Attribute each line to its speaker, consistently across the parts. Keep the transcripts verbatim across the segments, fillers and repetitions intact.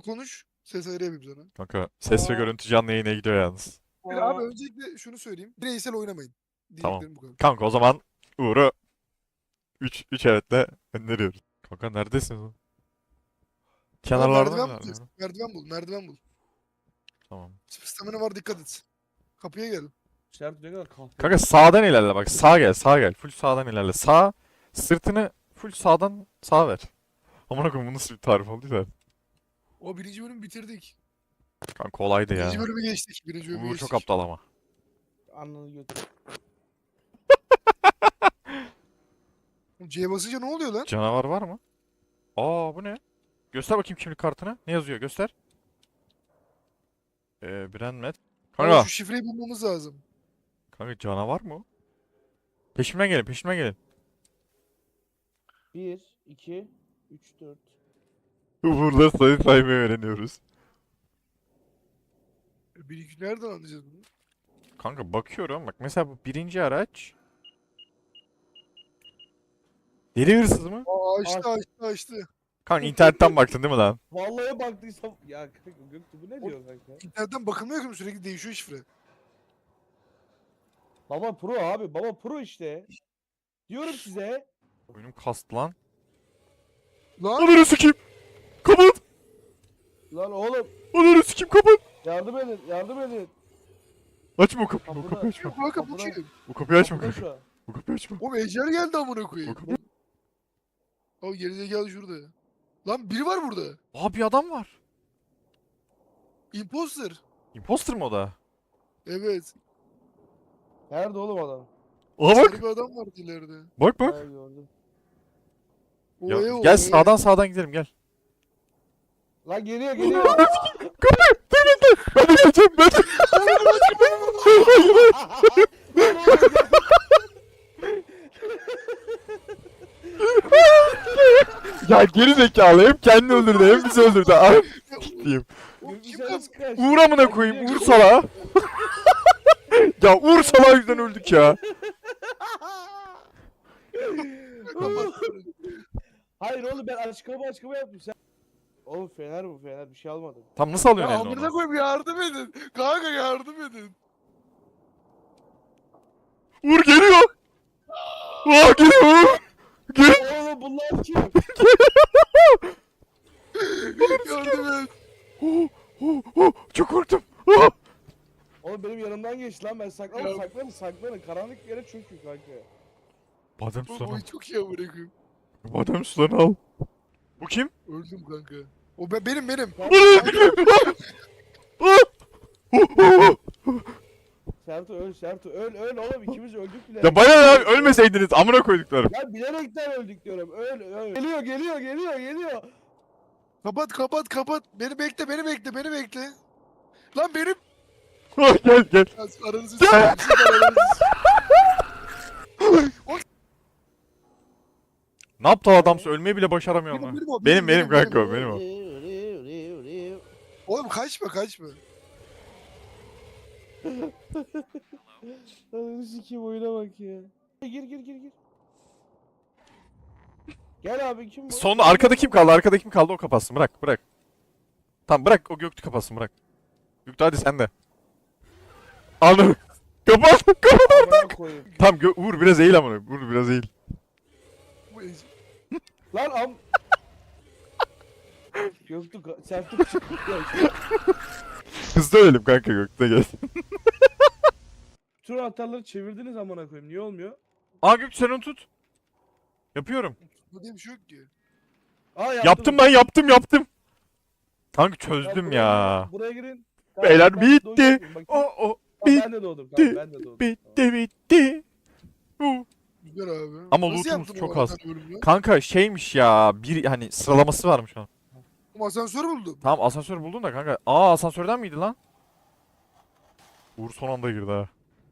Speaker 1: konuş. Ses ayarı yapayım sana.
Speaker 2: Kanka ses ve
Speaker 3: Aa.
Speaker 2: görüntü canlı yayına gidiyor yalnız.
Speaker 1: Bir abi öncelikle şunu söyleyeyim. Bireysel oynamayın.
Speaker 2: Tamam.
Speaker 1: Diyeceklerim bu kadar.
Speaker 2: Kanka o zaman Uğur'u üç üç evetle öneriyoruz. Kanka neredesin?
Speaker 1: Aa,
Speaker 2: Kenarlarda
Speaker 1: merdiven
Speaker 2: mı?
Speaker 1: bulacaksın. Merdiven bul. Merdiven bul.
Speaker 2: Tamam.
Speaker 1: Stamina var, dikkat et. Kapıya gel.
Speaker 3: Sert ne kadar kahpe.
Speaker 2: Kanka sağdan ilerle bak. Sağa gel, sağa gel. Full sağdan ilerle. Sağ, sırtını full sağdan sağa ver. Amına koyayım bu nasıl bir tarif oldu ya?
Speaker 1: O birinci bölümü bitirdik.
Speaker 2: Kanka kolaydı ya.
Speaker 1: Birinci bölümü geçtik. Birinci bölümü
Speaker 2: Uğur
Speaker 1: geçtik.
Speaker 2: çok aptal ama.
Speaker 3: Ananı götür.
Speaker 1: C'ye basınca ne oluyor lan?
Speaker 2: Canavar var mı? Aa bu ne? Göster bakayım kimlik kartını. Ne yazıyor? Göster. Ee, Brandmet.
Speaker 1: Ama
Speaker 2: Kanka.
Speaker 1: şu şifreyi bulmamız lazım.
Speaker 2: Kanka canavar mı o? Peşimden gelin, peşimden gelin.
Speaker 3: bir, iki, üç, dört.
Speaker 2: Burada sayı saymayı öğreniyoruz.
Speaker 1: Bir iki nereden anlayacağız bunu?
Speaker 2: Kanka bakıyorum. Bak mesela bu birinci araç. Deli hırsız mı?
Speaker 1: Aa açtı
Speaker 3: Aç.
Speaker 1: açtı açtı.
Speaker 2: Kanka internetten baktın değil mi lan?
Speaker 3: Vallahi baktıysam ya kanka Göktuğ bu ne
Speaker 1: O-
Speaker 3: diyor kanka?
Speaker 1: İnternetten bakılmıyor ki sürekli değişiyor şifre.
Speaker 3: Baba pro abi baba pro işte. Diyorum size.
Speaker 2: Oyunum kastı lan.
Speaker 1: Lan
Speaker 2: Ananı sikeyim. Kapat.
Speaker 3: Lan oğlum
Speaker 2: Ananı sikeyim kapat.
Speaker 3: yardım edin yardım edin.
Speaker 2: Açma o kapıyı. O
Speaker 3: Kapıda-
Speaker 2: kapıyı açma.
Speaker 1: yok kanka bu
Speaker 3: Kapıdan-
Speaker 1: kim?
Speaker 2: O kapıyı açma
Speaker 3: Kapıda
Speaker 2: kanka.
Speaker 3: şu an.
Speaker 2: O kapıyı açma.
Speaker 1: O ecel geldi amına
Speaker 2: O
Speaker 1: koyayım.
Speaker 2: kapıyı...
Speaker 1: Abi gerizekalı şurada. Lan biri var burada.
Speaker 2: Aa bir adam var.
Speaker 1: Imposter.
Speaker 2: Imposter mı o da?
Speaker 1: Evet.
Speaker 3: Nerede oğlum adam?
Speaker 2: Aa bak.
Speaker 1: Sarı bir adam vardı ileride.
Speaker 2: Bak bak.
Speaker 3: Ha, gördüm.
Speaker 2: Ya,
Speaker 1: Oya
Speaker 2: gel
Speaker 1: oya.
Speaker 2: sağdan sağdan gidelim gel.
Speaker 3: Lan geliyor geliyor.
Speaker 2: Kapı. Dur bekle. Ben de geleceğim ben de. Ya geri zekalı hem kendini öldürdü hem bizi öldürdü. Ay diyeyim.
Speaker 1: Oğlum
Speaker 3: Göktuğ
Speaker 1: kim
Speaker 3: sen
Speaker 1: lan?
Speaker 3: nasıl kaçtın?
Speaker 2: Uğur amına
Speaker 3: Lan
Speaker 2: koyayım
Speaker 3: geliyor,
Speaker 2: Uğur
Speaker 3: geliyor.
Speaker 2: salağa. Ya Uğur salağı yüzünden öldük ya.
Speaker 3: Hayır oğlum ben açıklama açıklama yaptım sen. Oğlum fener bu fener bir şey almadım.
Speaker 2: Tam nasıl
Speaker 1: Ya
Speaker 2: alıyorsun eline
Speaker 1: amına
Speaker 2: onu?
Speaker 1: koyayım yardım edin. Kanka yardım edin.
Speaker 2: Uğur geliyor. Aa geliyor Uğur. Gel.
Speaker 3: Oğlum bunlar kim?
Speaker 1: Yardım et.
Speaker 2: Oh, oh, oh, çok korktum. Oh.
Speaker 3: Oğlum benim yanımdan geçti lan ben saklanın
Speaker 1: Ya.
Speaker 3: saklanın saklanın karanlık bir yere çünkü kanka.
Speaker 2: Badem
Speaker 1: Bu
Speaker 2: sularını al.
Speaker 1: boy çok iyi amına koyayım.
Speaker 2: Badem sularını al. Bu kim?
Speaker 1: Öldüm kanka. O ben, benim benim.
Speaker 2: Ah, oh, oh, oh.
Speaker 3: Sertu öl Sertu öl öl oğlum ikimiz öldük bile.
Speaker 2: Ya bana ne abi ölmeseydiniz amına koyduklarım.
Speaker 3: Ya bilerekten öldük diyorum öl öl. Geliyor geliyor geliyor geliyor.
Speaker 1: Kapat kapat kapat. Beni bekle beni bekle beni bekle. Lan benim.
Speaker 2: Ah, gel gel.
Speaker 1: Ya, aranızı s**eyim, siz aranızı s**eyim.
Speaker 2: Ne yaptı o adam? Ölmeyi bile başaramıyor
Speaker 1: Benim,
Speaker 2: lan.
Speaker 1: benim o,
Speaker 2: Benim
Speaker 1: benim,
Speaker 2: benim
Speaker 1: benim,
Speaker 2: kanka o benim o.
Speaker 1: Oğlum kaçma kaçma.
Speaker 3: Ananı sikeyim oyuna bak ya. Gir gir gir gir. Gel abi kim bu?
Speaker 2: Sonunda arkada kim kaldı? Arkada kim kaldı? O kapatsın. Bırak bırak. Tamam bırak o Göktü kapatsın bırak. Göktü hadi sen de. Anladım. Kapat. Kapat.
Speaker 3: Amına koyayım.
Speaker 2: Tamam Gö Uğur biraz eğil amına. Uğur biraz eğil.
Speaker 1: Bu ece-
Speaker 3: Lan am... Göktü ka- Sertu
Speaker 2: Hızlı ölelim kanka Göktü gel.
Speaker 3: Tur atarları çevirdiniz amına koyayım niye olmuyor?
Speaker 2: Aa Göktü sen onu tut. Yapıyorum.
Speaker 1: Bu diye bir şey yok ki.
Speaker 3: Aa
Speaker 2: Yaptım ben yaptım yaptım. Kanka
Speaker 3: Tamam,
Speaker 2: çözdüm
Speaker 3: buraya
Speaker 2: ya.
Speaker 3: girin, Buraya girin.
Speaker 2: Beyler
Speaker 3: ben
Speaker 2: bitti.
Speaker 3: doğacağım, bakayım.
Speaker 2: O o
Speaker 3: Tamam,
Speaker 2: bit-
Speaker 3: ben de doğdum.
Speaker 2: bitti,
Speaker 3: Tamam, ben de doğdum.
Speaker 2: bitti bitti. Uh.
Speaker 1: Güzel abi.
Speaker 2: Ama
Speaker 1: Nasıl
Speaker 2: lootumuz
Speaker 1: yaptın o
Speaker 2: çok az.
Speaker 1: arada bölümü?
Speaker 2: Kanka şeymiş ya bir hani sıralaması varmış onun.
Speaker 1: Ama asansör buldum.
Speaker 2: Tamam asansör buldun da kanka. Aa asansörden miydi lan? Uğur son anda girdi ha.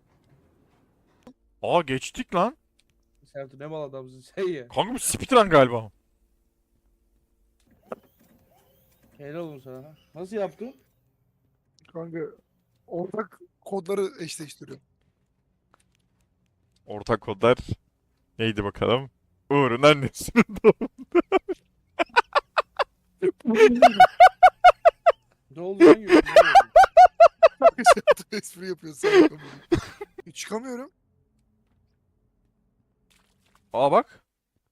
Speaker 2: Aa geçtik lan.
Speaker 3: Sertu ne mal adamsın sen ya.
Speaker 2: Kanka bu speedrun galiba.
Speaker 3: Helal olsun sana. Nasıl yaptın?
Speaker 1: Kanka ortak kodları eşleştiriyorum.
Speaker 2: Ortak kodlar neydi bakalım? Uğur'un annesinin doğum.
Speaker 1: espri yapıyor salak amına. E, Çıkamıyorum.
Speaker 2: Aa bak.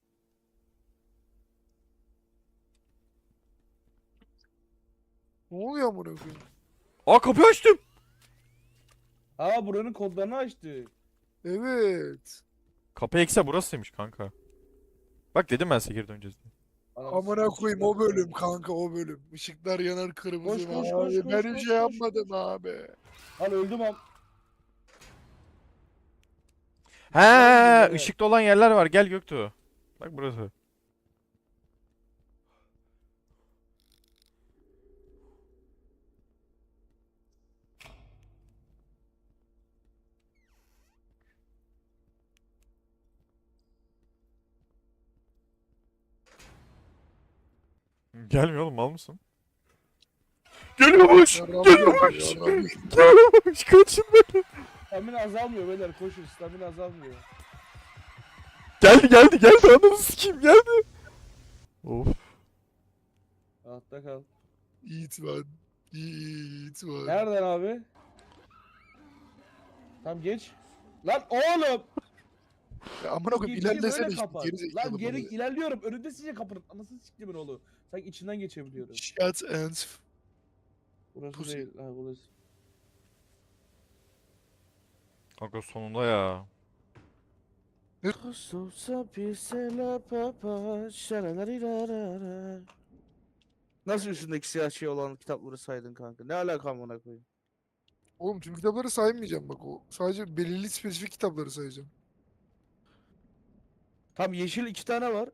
Speaker 1: Ne oluyor amına koyayım?
Speaker 2: Aa kapıyı açtım.
Speaker 3: Aa buranın kodlarını açtı.
Speaker 1: Evet.
Speaker 2: Kapı ekse burasıymış kanka. Bak dedim ben size geri döneceğiz diye.
Speaker 3: Anam,
Speaker 1: Amına koyayım o
Speaker 3: ışıklar
Speaker 1: bölüm
Speaker 3: yanıyor.
Speaker 1: kanka o bölüm. Işıklar yanar kırmızı
Speaker 3: Koş, koş,
Speaker 1: abi.
Speaker 3: koş, koş,
Speaker 1: ben
Speaker 3: koş,
Speaker 1: hiç
Speaker 3: koş,
Speaker 1: şey yapmadım abi.
Speaker 3: Lan öldüm am.
Speaker 2: He,
Speaker 3: Nerede?
Speaker 2: ışıklı olan yerler var. Gel Göktuğ. Bak burası. Gelmiyor oğlum mal mısın? Geliyormuş.
Speaker 1: Yarrağımı
Speaker 2: Geliyormuş.
Speaker 1: geldi, yarrağımı.
Speaker 2: Geliyormuş. Kaçın beni.
Speaker 3: Stamina azalmıyor beyler koşun stamina azalmıyor.
Speaker 2: Geldi geldi geldi. Ananı sikeyim geldi. Of.
Speaker 3: Altta kal.
Speaker 1: Yiğit var. Yiğit var.
Speaker 3: Nereden abi? Tam geç. Lan oğlum!
Speaker 1: Ya amına koyayım
Speaker 3: Geçişi
Speaker 1: ilerlesene
Speaker 3: böyle
Speaker 1: işte
Speaker 3: kapat.
Speaker 1: geri zekalı
Speaker 3: Lan geri
Speaker 1: bana.
Speaker 3: ilerliyorum. Önünde sizce kapının. Anasını siktimin oğlu. Sanki içinden geçebiliyorum.
Speaker 1: Shut and
Speaker 3: Burası
Speaker 1: Pussy.
Speaker 3: değil. Ha burası.
Speaker 2: Kanka sonunda ya.
Speaker 3: Nasıl üstündeki siyah şey olan kitapları saydın kanka? Ne alaka amına koyayım?
Speaker 1: Oğlum tüm kitapları saymayacağım bak o. Sadece belirli spesifik kitapları sayacağım.
Speaker 3: Tam yeşil iki tane var.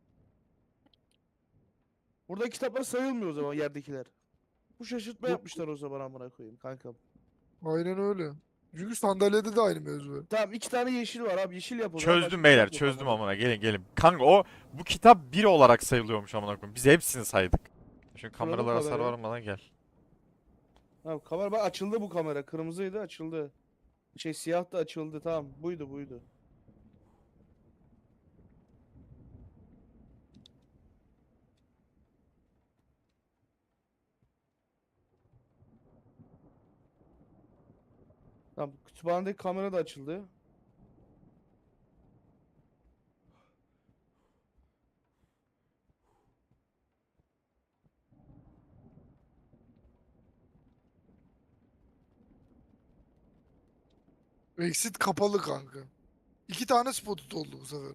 Speaker 3: Burada kitaplar sayılmıyor o zaman yerdekiler. Bu şaşırtma
Speaker 1: Yok.
Speaker 3: yapmışlar o zaman amına koyayım kankam.
Speaker 1: Aynen öyle. Çünkü sandalyede de aynı mevzu var.
Speaker 3: Tamam iki tane yeşil var abi yeşil yap o zaman.
Speaker 2: Çözdüm
Speaker 3: başka
Speaker 2: beyler
Speaker 3: kitap yok
Speaker 2: çözdüm
Speaker 3: amına.
Speaker 2: amına. Gelin gelin. Kanka o bu kitap bir olarak sayılıyormuş amına koyayım. Biz hepsini saydık. Şimdi
Speaker 3: Kuralım
Speaker 2: kameralara hasar
Speaker 3: kamerayı.
Speaker 2: varmadan gel.
Speaker 3: Tamam kamera bak açıldı bu kamera. Kırmızıydı açıldı. Şey siyah da açıldı tamam buydu buydu. Tamam kütüphanedeki kamera da açıldı.
Speaker 1: Exit kapalı kanka. İki tane spot oldu bu sefer.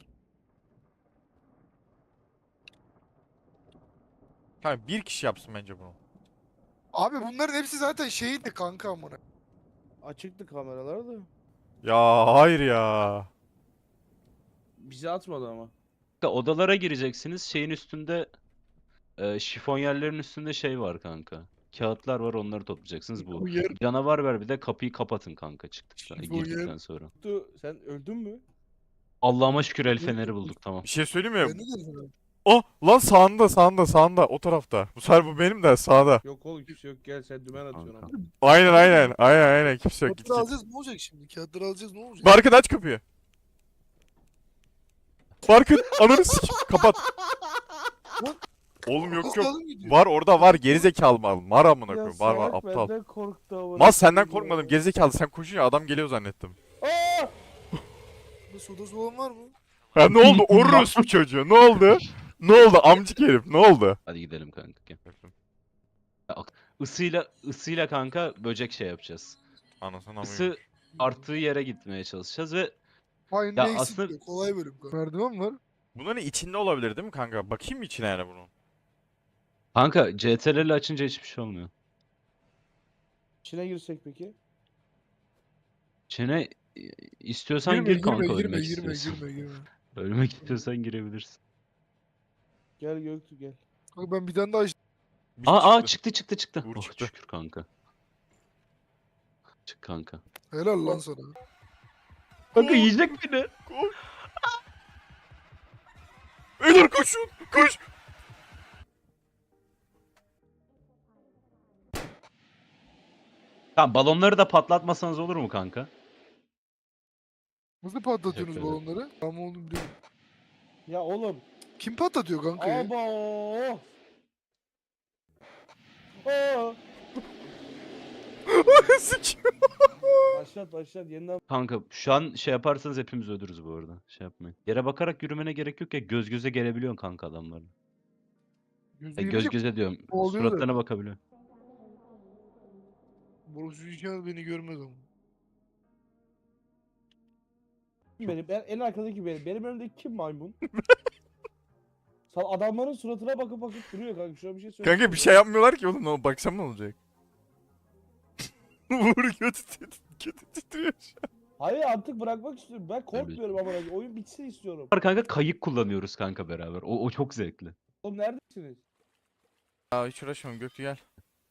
Speaker 2: Kanka bir kişi yapsın bence bunu.
Speaker 1: Abi bunların hepsi zaten şeydi kanka amına.
Speaker 3: Açıktı kameralar da.
Speaker 2: Ya hayır ya.
Speaker 3: Bizi atmadı ama.
Speaker 4: Kanka, odalara gireceksiniz. Şeyin üstünde e, şifonyerlerin üstünde şey var kanka. Kağıtlar var onları toplayacaksınız bu.
Speaker 1: Şifonyer.
Speaker 4: Canavar ver bir de kapıyı kapatın kanka çıktıktan
Speaker 1: Şifonyer.
Speaker 4: girdikten sonra.
Speaker 3: Tu, sen öldün mü?
Speaker 4: Allah'ıma şükür el feneri bulduk tamam.
Speaker 2: Bir şey söyleyeyim
Speaker 1: Ben
Speaker 2: mi?
Speaker 1: ne dedim?
Speaker 2: Oh lan sağında sağında sağında o tarafta. Bu sefer bu benim de sağda.
Speaker 3: Yok oğlum kimse yok gel sen dümen atıyorsun
Speaker 4: Kanka.
Speaker 3: ama.
Speaker 2: Aynen aynen aynen aynen kimse yok git
Speaker 1: Kağıtları
Speaker 2: git.
Speaker 1: alacağız ne olacak şimdi? Kağıtları alacağız ne olacak?
Speaker 2: Barkın aç kapıyı. Barkın ananı sikeyim kapat. Oğlum yok
Speaker 1: Nasıl
Speaker 2: yok.
Speaker 1: alım gidiyor?
Speaker 2: Var orada var gerizekalı mal. Var amına
Speaker 3: Ya
Speaker 2: koyayım. Var var
Speaker 3: salak
Speaker 2: aptal.
Speaker 3: benden korktu amına
Speaker 2: Mal senden
Speaker 3: koyayım
Speaker 2: korkmadım
Speaker 3: ya.
Speaker 2: gerizekalı sen koşunca adam geliyor zannettim.
Speaker 3: Aa!
Speaker 1: Burada soda soğan var mı?
Speaker 2: Ha ne oldu orospu çocuğu ne oldu? Ne oldu amcık herif ne oldu?
Speaker 4: Hadi gidelim kanka. Gel. Ya, ak- Isıyla ısıyla kanka böcek şey yapacağız.
Speaker 2: Anasını
Speaker 4: Isı arttığı yere gitmeye çalışacağız ve
Speaker 1: Aynı
Speaker 4: Ya
Speaker 1: eksik
Speaker 4: aslında-
Speaker 1: diyor. Kolay bölüm kanka. Merdiven var.
Speaker 2: Bunların içinde olabilir değil mi kanka? Bakayım mı içine yani bunun?
Speaker 4: kanka C T R L açınca hiçbir şey olmuyor.
Speaker 3: İçine girsek peki?
Speaker 4: İçine e, istiyorsan
Speaker 1: Girme
Speaker 4: gir kanka
Speaker 1: girme girme
Speaker 4: ölmek
Speaker 1: girme
Speaker 4: istiyorsan.
Speaker 1: girme girme.
Speaker 4: Ölmek istiyorsan girebilirsin.
Speaker 3: Gel Göktü gel.
Speaker 1: Kanka ben bir tane daha iş-
Speaker 2: Bir
Speaker 4: Aa, aa
Speaker 2: çıktı.
Speaker 4: çıktı çıktı çıktı.
Speaker 2: Uğur
Speaker 4: Oh
Speaker 2: çıktı.
Speaker 4: şükür kanka. Çık kanka.
Speaker 1: Helal lan sana.
Speaker 4: Kanka yiyecek beni.
Speaker 2: Beyler koşun koş.
Speaker 4: Tamam balonları da patlatmasanız olur mu kanka?
Speaker 1: Nasıl patlatıyorsunuz
Speaker 4: Teşekkür ederim.
Speaker 1: balonları? Ama onu biliyorum.
Speaker 3: Ya oğlum.
Speaker 1: Kim patlatıyor kanka ya?
Speaker 3: Aba. Aa.
Speaker 2: Sikiyor.
Speaker 3: başlat başlat yeniden.
Speaker 4: Kanka şu an şey yaparsanız hepimiz ölürüz bu arada. Şey yapmayın. Yere bakarak yürümene gerek yok ya, göz göze gelebiliyorsun kanka adamlarla.
Speaker 1: Gözü
Speaker 4: Ya göz
Speaker 1: yemeyecek
Speaker 4: göze diyorum.
Speaker 1: oluyor
Speaker 4: Suratlarına
Speaker 1: zaten.
Speaker 4: bakabiliyorsun.
Speaker 1: Borusu inşallah beni görmez ama.
Speaker 3: Benim ben en arkadaki benim. Benim önümdeki kim maymun? Sal adamların suratına bakıp bakıp duruyor kanka. Şöyle bir şey söyle.
Speaker 2: Kanka bir şey yapmıyorlar ki oğlum. Ne baksam ne olacak? Uğur kötü kötü titriyor şu an.
Speaker 3: Hayır artık bırakmak istiyorum. Ben korkmuyorum ama oyun bitsin istiyorum.
Speaker 4: Var kanka, kayık kullanıyoruz kanka beraber. O, o çok zevkli.
Speaker 3: Oğlum neredesiniz?
Speaker 2: Ya hiç uğraşmam Göktü gel.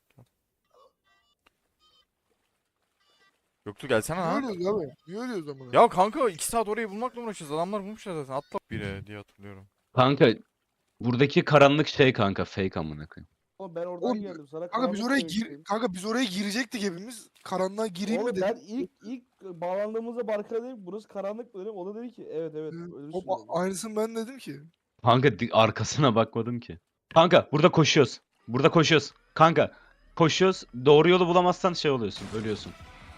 Speaker 2: Göktü gelsene
Speaker 1: Niye
Speaker 2: lan.
Speaker 1: ölüyoruz abi? Niye ölüyoruz ama?
Speaker 2: Ya kanka iki saat orayı bulmakla uğraşıyoruz. Adamlar bulmuşlar zaten. Atla bire diye hatırlıyorum.
Speaker 4: Kanka buradaki karanlık şey kanka, fake amına koyayım.
Speaker 3: Oğlum ben oradan
Speaker 1: Oğlum,
Speaker 3: geldim. Sana
Speaker 1: Kanka biz
Speaker 3: karanlık
Speaker 1: oraya
Speaker 3: demiştim.
Speaker 1: gir kanka biz oraya girecektik hepimiz. Karanlığa gireyim mi
Speaker 3: Oğlum
Speaker 1: dedim.
Speaker 3: ben ilk ilk bağlandığımızda Barkay'a dedim burası karanlık dedim. O da dedi ki evet evet
Speaker 1: Ee,
Speaker 3: ölürsün
Speaker 1: hop,
Speaker 3: dedi.
Speaker 1: aynısını ben dedim ki.
Speaker 4: Kanka di- arkasına bakmadım ki. Kanka burada koşuyoruz. Burada koşuyoruz. Kanka koşuyoruz. Doğru yolu bulamazsan şey oluyorsun. Ölüyorsun.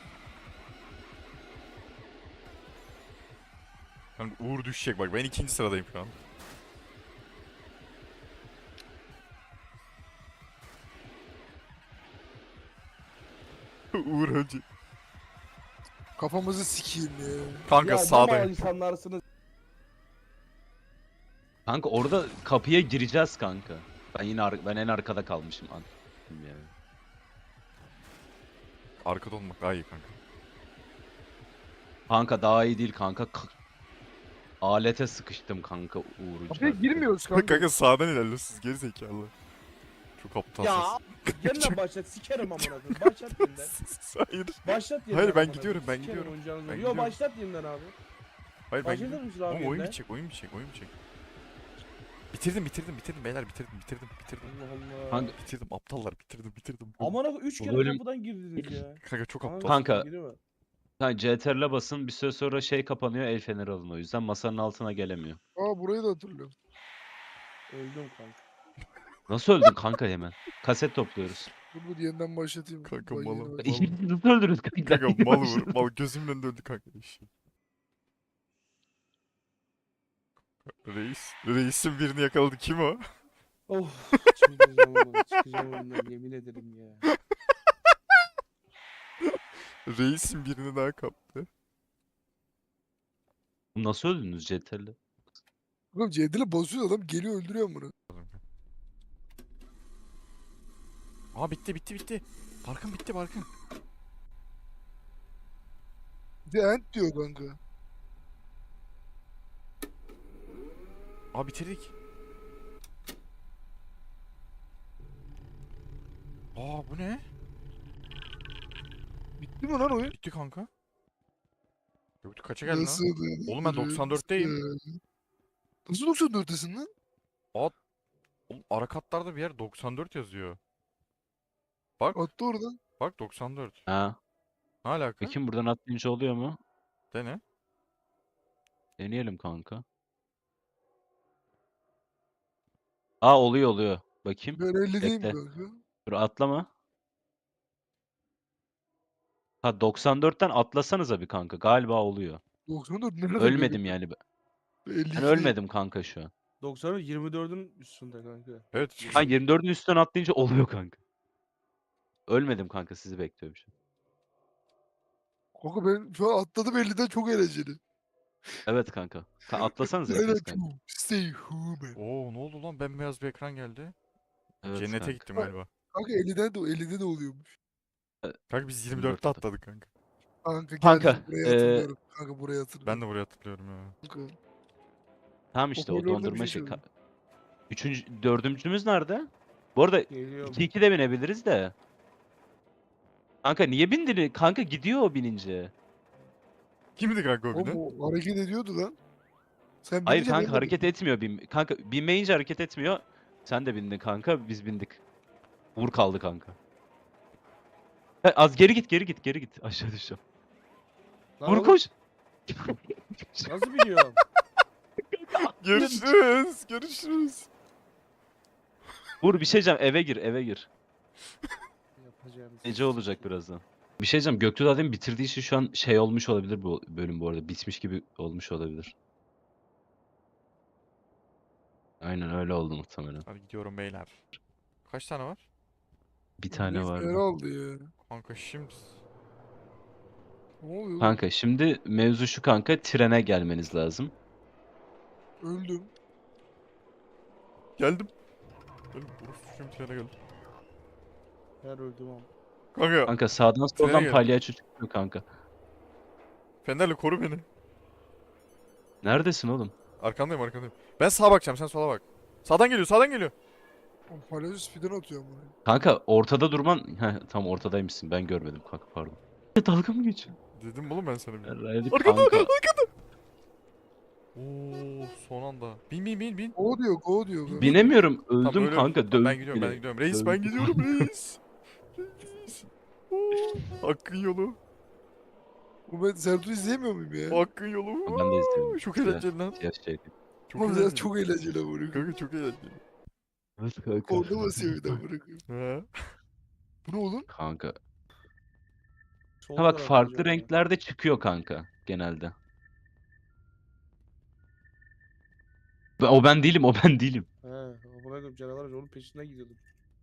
Speaker 2: Kanka Uğur düşecek bak. Ben ikinci sıradayım şu an. Uğur önce.
Speaker 1: Kafamızı sikeyim ya.
Speaker 2: Kanka
Speaker 3: Ya ne mal
Speaker 2: sağdayım.
Speaker 3: insanlarsınız.
Speaker 4: Kanka orada kapıya gireceğiz kanka. Ben yine ar- ben en arkada kalmışım. An yani.
Speaker 2: Arkada olmak daha iyi kanka.
Speaker 4: Kanka daha iyi değil kanka. K- Alete sıkıştım kanka Uğur'u.
Speaker 1: Kapıya
Speaker 4: çarptı.
Speaker 1: girmiyoruz
Speaker 2: Kanka,
Speaker 1: kanka.
Speaker 2: kanka sağdan ilerliyorsunuz geri zekalı. Çok aptalsınız.
Speaker 3: Ya yeniden başlat sikerim amına koyayım. Başlat yeniden.
Speaker 2: Hayır.
Speaker 3: Başlat yeniden.
Speaker 2: Hayır, ben
Speaker 3: amına
Speaker 2: gidiyorum,
Speaker 3: koyayım.
Speaker 2: ben
Speaker 3: Sikerim
Speaker 2: gidiyorum.
Speaker 3: oyuncağınızı.
Speaker 2: Ben
Speaker 3: Yo
Speaker 2: gidiyorum.
Speaker 3: başlat yeniden abi.
Speaker 2: Hayır ben
Speaker 3: Başlatır
Speaker 2: gidiyorum.
Speaker 3: mısın abi
Speaker 2: Oğlum oyun
Speaker 3: yeniden?
Speaker 2: bitecek, oyun bitecek, oyun bitecek. Bitirdim, bitirdim, bitirdim beyler, bitirdim, bitirdim, bitirdim.
Speaker 3: Allah Allah.
Speaker 4: Kanka,
Speaker 2: Bitirdim aptallar, bitirdim, bitirdim.
Speaker 3: Amına üç
Speaker 4: Bu
Speaker 3: kere
Speaker 4: bölüm-
Speaker 3: kapıdan girdiniz ya.
Speaker 2: Kanka çok aptal.
Speaker 4: Kanka.
Speaker 3: girme.
Speaker 4: kanka C T R L'e basın, bir süre sonra şey kapanıyor, el feneri alın, o yüzden masanın altına gelemiyor.
Speaker 1: Aa burayı da hatırlıyorum.
Speaker 3: Öldüm kanka.
Speaker 4: Nasıl öldün kanka hemen? Kaset topluyoruz.
Speaker 1: Dur dur yeniden başlatayım.
Speaker 2: Kanka,
Speaker 1: Vay
Speaker 2: malım.
Speaker 1: yeni
Speaker 2: Vallahi.
Speaker 1: bak-
Speaker 4: İkimiz nasıl öldürürüz kanka?
Speaker 2: Kanka mal vur, mal gözümün önünde öldü kanka. Eşek. Reis, reisin birini yakaladı. Kim o?
Speaker 3: Of çıkacağım oğlum çıkacağım oyundan yemin ederim ya.
Speaker 2: Reisin birini daha kaptı.
Speaker 4: Nasıl öldünüz C T R L'e?
Speaker 1: Oğlum C D'le basıyor adam geliyor öldürüyor bunu.
Speaker 2: Aa bitti, bitti, bitti. Barkın bitti, Barkın.
Speaker 1: The End diyor kanka.
Speaker 2: Aa bitirdik. Aa bu ne?
Speaker 1: Bitti mi lan oyun?
Speaker 2: Bitti kanka. Göktü kaça geldin lan?
Speaker 1: Nasıl?
Speaker 2: Oğlum ben doksan dörtteyim.
Speaker 1: Nasıl doksan dörttesin lan?
Speaker 2: Oğlum ara katlarda bir yer doksan dört yazıyor. Bak,
Speaker 1: Attı oradan.
Speaker 2: bak doksan dört.
Speaker 4: Ha.
Speaker 2: Ne alaka?
Speaker 4: Bakayım buradan atlayınca oluyor mu?
Speaker 2: Dene.
Speaker 4: Deneyelim kanka. Aa oluyor oluyor. Bakayım.
Speaker 1: Ben elli değilim
Speaker 4: Bekle.
Speaker 1: kanka.
Speaker 4: Dur atlama. Ha doksan dörtten atlasanıza bir kanka. Galiba oluyor.
Speaker 1: doksan dört nerede?
Speaker 4: Ölmedim yani.
Speaker 1: elli
Speaker 4: Ben ölmedim kanka şu an.
Speaker 3: doksan yirmi dördün üstünde kanka.
Speaker 2: Evet.
Speaker 4: Ha yirmi dördün üstünden atlayınca oluyor kanka. Ölmedim kanka, sizi bekliyorum şu an.
Speaker 1: Kanka ben şu an atladım elliden çok eğlenceli.
Speaker 4: Evet kanka. Ka atlasanıza
Speaker 1: Aynen
Speaker 4: hepiniz kanka.
Speaker 1: çok. Stay human.
Speaker 2: Oo ne oldu lan? Bembeyaz bir ekran geldi.
Speaker 4: Evet
Speaker 2: Cennete
Speaker 4: kanka.
Speaker 2: gittim galiba.
Speaker 1: Kanka elliden de ellide de oluyormuş.
Speaker 2: Kanka biz
Speaker 4: yirmi
Speaker 2: yirmi dörtte
Speaker 4: dörtte.
Speaker 2: atladık kanka.
Speaker 1: Kanka
Speaker 4: Kanka,
Speaker 1: geldim buraya
Speaker 4: eee,
Speaker 1: hatırlıyorum. Kanka buraya hatırlıyorum.
Speaker 2: Ben de buraya hatırlıyorum ya.
Speaker 1: Kanka.
Speaker 4: Tamam işte o
Speaker 1: Hoparlörde bir
Speaker 4: dondurma
Speaker 1: şey
Speaker 4: şey.
Speaker 1: söyledi.
Speaker 4: Ka- Üçüncü, dördüncümüz nerede? Bu arada
Speaker 3: Geliyorum.
Speaker 4: iki iki de binebiliriz de. Kanka niye bindin? Kanka gidiyor o binince.
Speaker 2: Kimdi kanka o
Speaker 1: Oğlum
Speaker 2: binen?
Speaker 1: o hareket ediyordu lan. Sen
Speaker 4: Hayır
Speaker 1: binince ben
Speaker 4: kanka
Speaker 1: de
Speaker 4: hareket etmiyor. Bin... Kanka binmeyince hareket etmiyor. Sen de bindin kanka, biz bindik. Vur kaldı kanka. Ha, az geri git, geri git, geri git. Aşağı düşeceğim.
Speaker 3: Lan
Speaker 4: Vur
Speaker 3: oğlum,
Speaker 4: koş.
Speaker 3: Nasıl biliyorum?
Speaker 2: Görüşürüz. Görüşürüz.
Speaker 4: Vur bir şey diyeceğim, eve gir, eve gir.
Speaker 3: Yapacağım.
Speaker 4: Gece olacak birazdan. Bir şey diyeceğim. Göktuğ Adem bitirdiği için şu an şey olmuş olabilir bu bölüm bu arada. Bitmiş gibi olmuş olabilir. Aynen öyle oldu muhtemelen.
Speaker 2: Hadi gidiyorum beyler. Kaç tane var?
Speaker 4: Bir tane
Speaker 1: Büyük değer
Speaker 4: vardı.
Speaker 1: aldı ya.
Speaker 2: Kanka şimdi.
Speaker 1: Ne oluyor oğlum?
Speaker 4: Kanka şimdi mevzu şu kanka. Trene gelmeniz lazım.
Speaker 1: Öldüm.
Speaker 2: Geldim. Geldim. Urus şimdi trene geldim.
Speaker 3: Her öldüm ama.
Speaker 2: Kanka.
Speaker 4: Kanka sağdan
Speaker 2: Trene
Speaker 4: soldan
Speaker 2: geldim.
Speaker 4: palyaço çıkıyor kanka.
Speaker 2: Fenerli koru beni.
Speaker 4: Neredesin oğlum?
Speaker 2: Arkandayım arkandayım. Ben sağa bakacağım sen sola bak. Sağdan geliyor sağdan geliyor.
Speaker 1: Oğlum palyaço speed'den atıyor ama.
Speaker 4: Kanka ortada durman... Heh, tam ortadaymışsın. Ben görmedim kanka pardon. Dalga mı geçiyor?
Speaker 2: Dedim oğlum ben sana bir.
Speaker 4: Herhalde
Speaker 2: Arkada
Speaker 4: kanka.
Speaker 2: Oo son anda. Bin bin bin bin.
Speaker 1: Go diyor, go diyor. go.
Speaker 4: Binemiyorum.
Speaker 2: Tamam,
Speaker 4: Öldüm
Speaker 2: öyle-
Speaker 4: kanka.
Speaker 2: Tamam, ben
Speaker 4: Dövdük
Speaker 2: gidiyorum ben
Speaker 4: bile.
Speaker 2: gidiyorum. Reis ben
Speaker 4: Dövdük.
Speaker 2: gidiyorum reis. Reis. Oo, Hakkın yolu.
Speaker 1: Bu ben Serdar'ı izleyemiyor muyum ya?
Speaker 2: Hakkın yolu.
Speaker 4: Ben de izliyorum.
Speaker 2: Çok
Speaker 4: Siyah-
Speaker 2: eğlenceli lan.
Speaker 4: siyah şey.
Speaker 2: Çok
Speaker 1: Oğlum
Speaker 2: eğlenceli.
Speaker 1: ya çok eğlenceli ama bırakın.
Speaker 2: Kanka çok eğlenceli.
Speaker 4: Evet kanka.
Speaker 1: Orada basıyor bir daha bırakın.
Speaker 2: He.
Speaker 1: Bu ne oğlum?
Speaker 4: Kanka.
Speaker 3: Sol
Speaker 4: Ha bak
Speaker 3: tarafta
Speaker 4: farklı
Speaker 3: canavar.
Speaker 4: renklerde çıkıyor kanka genelde. Ben- O ben değilim, o ben değilim.
Speaker 3: He, amına koyayım canavar onun peşinden gidiyordum.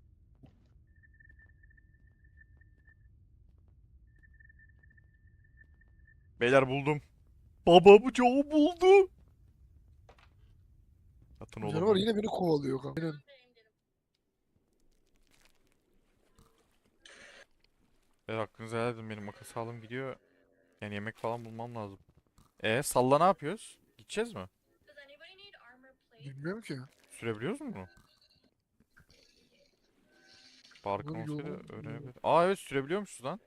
Speaker 2: Beyler buldum. Baba bu Joe buldu. Atın
Speaker 1: Bu
Speaker 2: oğlum.
Speaker 1: canavar yine beni kovalıyor kanka. Aynen.
Speaker 2: Evet hakkınızı helal edin benim makas alım gidiyor. Yani yemek falan bulmam lazım. E salla ne yapıyoruz? Gideceğiz mi?
Speaker 1: Bilmiyorum ki.
Speaker 2: Sürebiliyoruz mu bunu? Barkın
Speaker 1: Bunun
Speaker 2: olsaydı
Speaker 1: yolu-
Speaker 2: öğrenebilir. Aa evet sürebiliyormuşuz lan.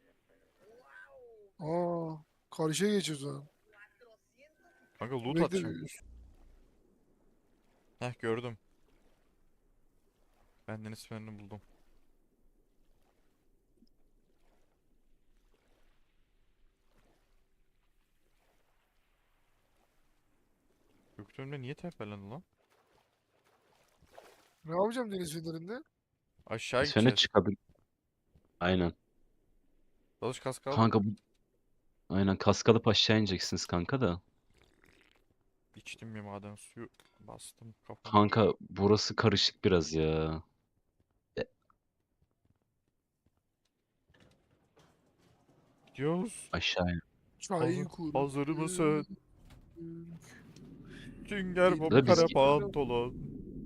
Speaker 1: Aa, karşıya geçiyoruz ha.
Speaker 2: Kanka loot
Speaker 1: Bekle,
Speaker 2: atacağım. Heh gördüm. Ben deniz fenerini buldum. Göktuğümde niye tepelendi lan?
Speaker 1: Ne yapacağım deniz fenerinde?
Speaker 2: Aşağı
Speaker 4: Sonra
Speaker 2: gideceğiz.
Speaker 4: çıkabilir. Aynen.
Speaker 2: Dalış kask al.
Speaker 4: Kanka bu... Aynen kaskalıp aşağı ineceksiniz kanka da.
Speaker 2: İçtim bir maden suyu. Bastım kafama.
Speaker 4: Kanka burası karışık biraz ya.
Speaker 2: Gidiyoruz.
Speaker 4: Aşağıya.
Speaker 1: Çay
Speaker 2: Hazır,
Speaker 1: kur.
Speaker 2: hazır mısın? Sünger Bob
Speaker 4: Da biz-
Speaker 2: kara pantolon.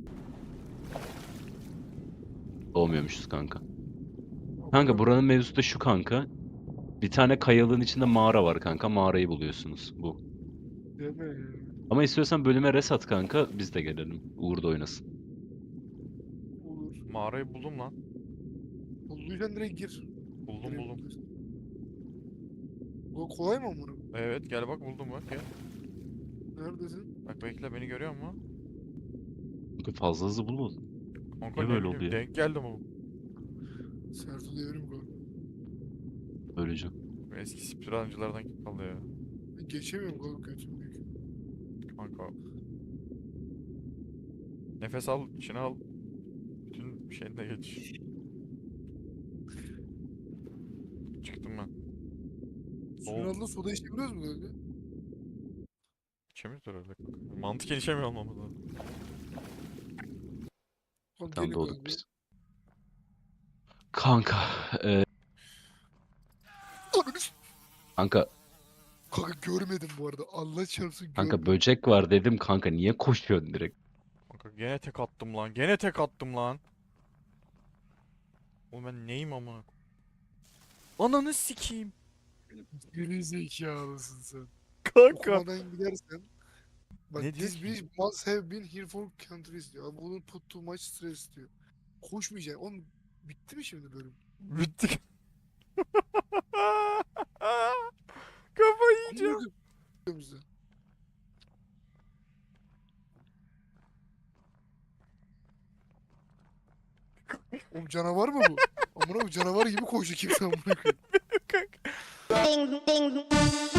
Speaker 4: Doğmuyormuşuz kanka. Kanka buranın mevzusu da şu kanka. Bir tane kayalığın içinde mağara var kanka. Mağarayı buluyorsunuz. Bu.
Speaker 1: Deme ya.
Speaker 4: Ama istiyorsan bölüme res at kanka. Biz de gelelim. Uğur da oynasın.
Speaker 1: Olur.
Speaker 2: Mağarayı buldum lan.
Speaker 1: Bulduysan direkt gir.
Speaker 2: Buldum
Speaker 1: Direkt
Speaker 2: buldum.
Speaker 1: gir. Bu kolay mı bunu?
Speaker 2: Evet gel bak buldum bak gel.
Speaker 1: Neredesin?
Speaker 2: Bak bekle beni görüyor musun?
Speaker 4: Kanka fazla hızlı bulmadın.
Speaker 2: Kanka
Speaker 4: Niye
Speaker 2: ne
Speaker 4: böyle
Speaker 2: bileyim,
Speaker 4: oldu ya?
Speaker 2: denk geldim ama.
Speaker 1: Sertu devrim kanka.
Speaker 4: Böylece.
Speaker 2: Eski speedruncılardan kim kaldı ya?
Speaker 1: Ben geçemiyorum kanka götüm büyük.
Speaker 2: Kanka. Nefes al, içine al. Bütün şeyine geç. Çıktım ben.
Speaker 1: Suyun
Speaker 2: oldu?
Speaker 1: altında soda içebiliyoruz mu kanka?
Speaker 2: İçemiyoruz herhalde kanka. Mantıken içemiyor olmamız lazım.
Speaker 1: Kanka
Speaker 4: Tam
Speaker 1: gelin
Speaker 4: doğduk
Speaker 1: kanka.
Speaker 4: biz. Kanka. E,
Speaker 1: Ananı s-
Speaker 4: kanka.
Speaker 1: Kanka görmedim bu arada. Allah çarpsın görmedim.
Speaker 4: Kanka böcek var dedim kanka. Niye koşuyorsun direkt?
Speaker 2: Kanka gene tek attım lan. Gene tek attım lan. Oğlum ben neyim ama? Ananı sikeyim.
Speaker 1: Geri zekalısın sen.
Speaker 2: Kanka.
Speaker 1: Okumadan gidersen. Bak
Speaker 2: Ne diyor
Speaker 1: this
Speaker 2: ki?
Speaker 1: bridge must have been here for countries diyor. Abi bunun put too much stress diyor. Koşmayacaksın. Oğlum bitti mi şimdi bölüm?
Speaker 2: Bittik. Kafayı yiyeceğim.
Speaker 1: Amına koyayım bizi. Oğlum canavar mı bu? Amına koyayım canavar gibi koşuyor kimse amına koyayım.
Speaker 2: Kanka.
Speaker 5: Ding ding